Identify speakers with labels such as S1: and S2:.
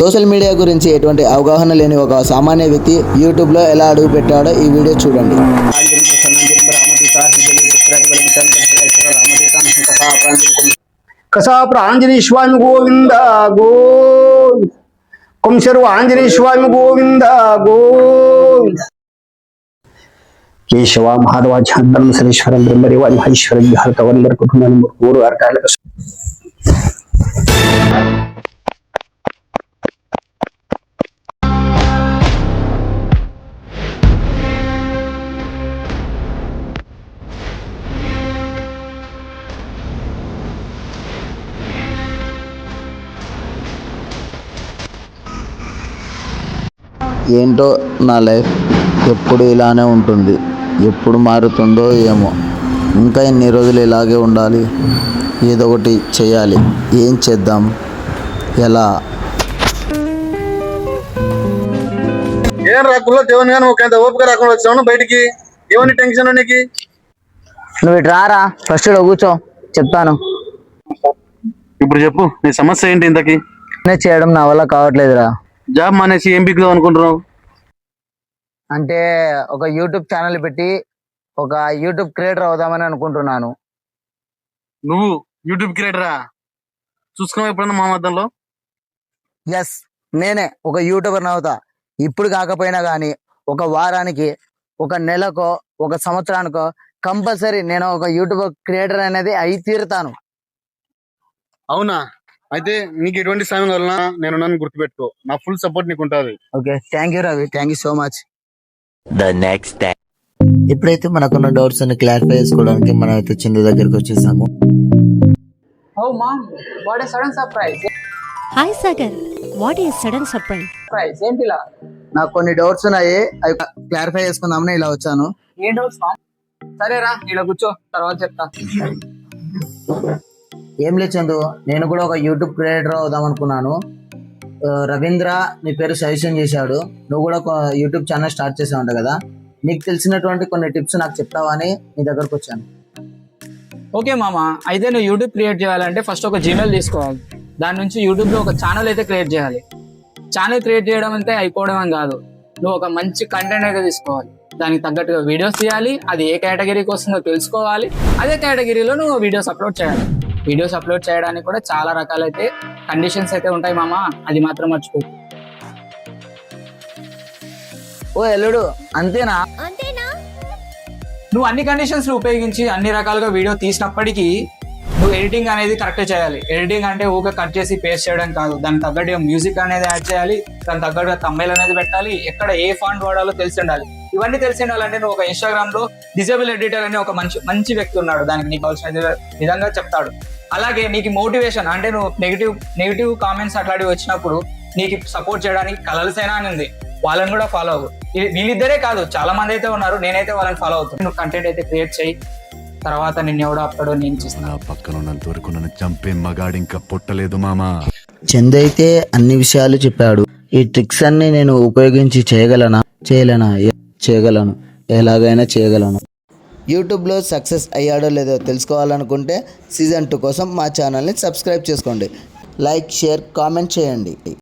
S1: Social media గురించి ఎటువంటి అవగాహన లేని ఒక సామాన్య వ్యక్తి యూట్యూబ్లో ఎలా అడుగు పెట్టాడో ఈ వీడియో చూడండి.
S2: కసాపుర ఆంజనేయ స్వామి గోవింద గోవింద కొంశరు ఆంజనేయ స్వామి గోవింద గోవింద కేశవ మహాదేవాచార్యం సరేశ్వరం బ్రహ్మదేవాది మహేశ్వరం హరితవల్లర కుటుంబాన్ని మూడు అర్థాల
S1: ఏంటో నా లైఫ్ ఎప్పుడు ఇలానే ఉంటుంది, ఎప్పుడు మారుతుందో ఏమో. ఇంకా ఎన్ని రోజులు ఇలాగే ఉండాలి? ఏదో ఒకటి చేయాలి. ఏం చేద్దాం? ఎలా?
S3: ఏం రాకుల్లో దేవుని కానీ ఒక ఓపిక రాకుండా వచ్చాను బయటికి. ఏమని టెన్షన్ నీకు?
S4: నువ్వు ఇటు రారా, ఫస్ట్ కూర్చో, చెప్తాను.
S3: ఇప్పుడు చెప్పు, నీ సమస్య ఏంటి? ఇంతకి
S4: చేయడం నా వల్ల కావట్లేదురా.
S3: జాబ్ మానేసి ఏం బిగ్గుదాం అనుకుంటున్నావు?
S4: అంటే ఒక యూట్యూబ్ ఛానల్ పెట్టి ఒక యూట్యూబ్ క్రియేటర్ అవుదామని అనుకుంటున్నాను.
S3: నువ్వు యూట్యూబ్ క్రియేటరా? చూసుకున్నావు ఎప్పుడన్నా మా మధ్యలో?
S4: ఎస్, నేనే ఒక యూట్యూబర్ అవుతా. ఇప్పుడు కాకపోయినా కానీ ఒక వారానికి, ఒక నెలకో, ఒక సంవత్సరానికో కంపల్సరీ నేను ఒక యూట్యూబ్ క్రియేటర్ అనేది అయి తీరుతాను.
S3: అవునా? అయితే నీకు ఎటువంటి సమయం వలన నేను నన్ను గుర్తుపెట్టుకో. నా ఫుల్ సపోర్ట్ నీకు ఉంటుంది.
S4: Okay, thank you Ravi, thank you so much.
S1: ఇప్పుడైతే మనకున్న డౌట్స్ అన్ని క్లారిఫై చేసుకోవడానికి మనం అయితే చిందు దగ్గరికి వచ్చేసాము.
S5: Oh mom, what a sudden surprise.
S6: Hi Sagar, what a sudden surprise.
S5: Surprise, ఏంటిలా?
S4: నాకు కొన్ని డౌట్స్ ఉన్నాయి, అవి క్లారిఫై చేసుకుందామని ఇలా వచ్చాను.
S5: ఏం డౌట్స్ మామ్? సరేరా, ఇలా కూర్చో, తర్వాత చెప్తా.
S4: ఏం లేదు చందు, నేను కూడా ఒక యూట్యూబ్ క్రియేటర్ అవుదాం అనుకున్నాను. రవీంద్ర నీ పేరు సజెషన్ చేశాడు. నువ్వు కూడా ఒక యూట్యూబ్ ఛానల్ స్టార్ట్ చేసావు కదా, నీకు తెలిసినటువంటి కొన్ని టిప్స్ నాకు చెప్తావా అని నీ దగ్గరకు వచ్చాను.
S5: ఓకే మామ, అయితే నువ్వు యూట్యూబ్ క్రియేట్ చేయాలంటే ఫస్ట్ ఒక జీమెయిల్ తీసుకోవాలి. దాని నుంచి యూట్యూబ్లో ఒక ఛానల్ అయితే క్రియేట్ చేయాలి. ఛానల్ క్రియేట్ చేయడం అంటే అయిపోవడం అని కాదు, నువ్వు ఒక మంచి కంటెంట్ అయితే తీసుకోవాలి. దానికి తగ్గట్టుగా వీడియోస్ తీయాలి. అది ఏ కేటగిరీకి వస్తుందో తెలుసుకోవాలి. అదే కేటగిరీలో నువ్వు వీడియోస్ అప్లోడ్ చేయాలి. వీడియోస్ అప్లోడ్ చేయడానికి కూడా చాలా రకాలైతే కండిషన్స్ అయితే ఉంటాయి మామ, అది మాత్రం మర్చిపో.
S4: ఓ ఎల్లుడు, అంతేనా?
S5: నువ్వు అన్ని కండిషన్స్ ఉపయోగించి అన్ని రకాలుగా వీడియో తీసినప్పటికీ నువ్వు ఎడిటింగ్ అనేది కరెక్ట్ చేయాలి. ఎడిటింగ్ అంటే ఊగా కట్ చేసి పేస్ట్ చేయడం కాదు, దానికి తగ్గట్టుగా మ్యూజిక్ అనేది యాడ్ చేయాలి, దానికి తగ్గట్టుగా తమ్మైల్ అనేది పెట్టాలి, ఎక్కడ ఏ ఫాంట్ వాడాలో తెలిసి ఉండాలి. ఇవన్నీ తెలిసి ఉండాలంటే నువ్వు ఒక ఇన్స్టాగ్రామ్ లో డిజేబుల్ ఎడిటర్ అనే ఒక మంచి వ్యక్తి ఉన్నాడు, దానికి నీకు కావాల్సిన విధంగా చెప్తాడు. అలాగే నీకు మోటివేషన్ అంటే నువ్వు నెగిటివ్ కామెంట్స్ అట్లాంటివి వచ్చినప్పుడు నీకు సపోర్ట్ చేయడానికి కలల్ సేన అని ఉంది, వాళ్ళని కూడా ఫాలో అవ్వు. వీళ్ళిద్దరే కాదు, చాలా మంది అయితే ఉన్నారు, నేనైతే వాళ్ళని ఫాలో అవుతాను. నువ్వు కంటెంట్ అయితే క్రియేట్ చేయి, తర్వాత నిన్ను ఎవడో అప్తాడో నేను చేస్తాను.
S7: పక్కన ఉన్నంత వరకు నన్ను చంపే మగాడు ఇంకా పుట్టలేదు మామా.
S1: చందు అయితే అన్ని విషయాలు చెప్పాడు. ఈ ట్రిక్స్ అన్ని నేను ఉపయోగించి చేయగలను, ఎలాగైనా చేయగలను. యూట్యూబ్లో సక్సెస్ అయ్యాడో లేదో తెలుసుకోవాలనుకుంటే సీజన్ 2 కోసం మా ఛానల్ని సబ్స్క్రైబ్ చేసుకోండి. లైక్, షేర్, కామెంట్ చేయండి.